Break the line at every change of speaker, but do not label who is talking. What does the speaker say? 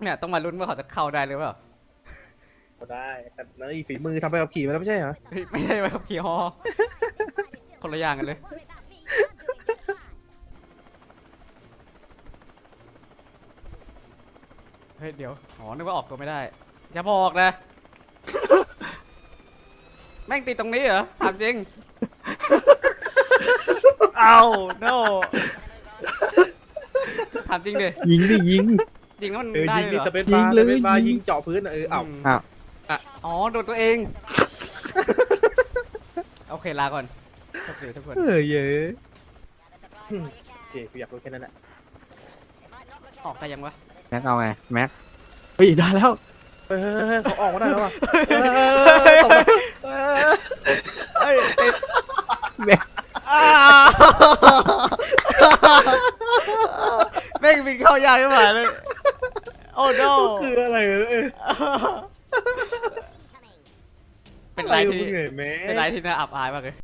เนี่ยต้องมาลุ้นว่าเขาจะเข้าได้หรือเปล่า
ก็ได้แต่นั่นอีฝีมือทำไปขับขี่มาแล้วไม่ใช่เหรอ
เฮ้ยไม่ใช่ไปขับขี่ฮอคนละอย่างกันเลยเฮ้ยเดี๋ยวอ๋อนึกว่าออกตัวไม่ได้อย่าบอกนะ แม่งติดตรงนี้เหรอถามจริง เอาโนถามจริงดิ
ยิงดิยิง
จริงแล้วมัน
เออ
ได้
ยิง
เลย
นี่
เหรอ
สเปซ
ยิ
บาง ร์
เลย
สเปซบาร์
ยิง
ยิงเจาะพื้นเออเอ้า
ม
อ้าว
อ๋อโดนตัวเอง โอเคลาก่อนโชคดีทุกคน
เออเยอะโอเคกูอยากรู้แค่นั้นแหละ
ออกได้ยังวะ
แม็กเอาไงแม็กเฮ้ยได้แล้ว
เออเขาออกมาได้แล้วว่ะตกไป
เอ้ยติด
แม็ก
อ้าแม่งบินเข้ายากขึ้นมาเลย โอ้โน
คืออะไรเออ
เป็นไรที่
มึงเหนื่อยไหม
เป็นไรที่น่าอับอายมากเลย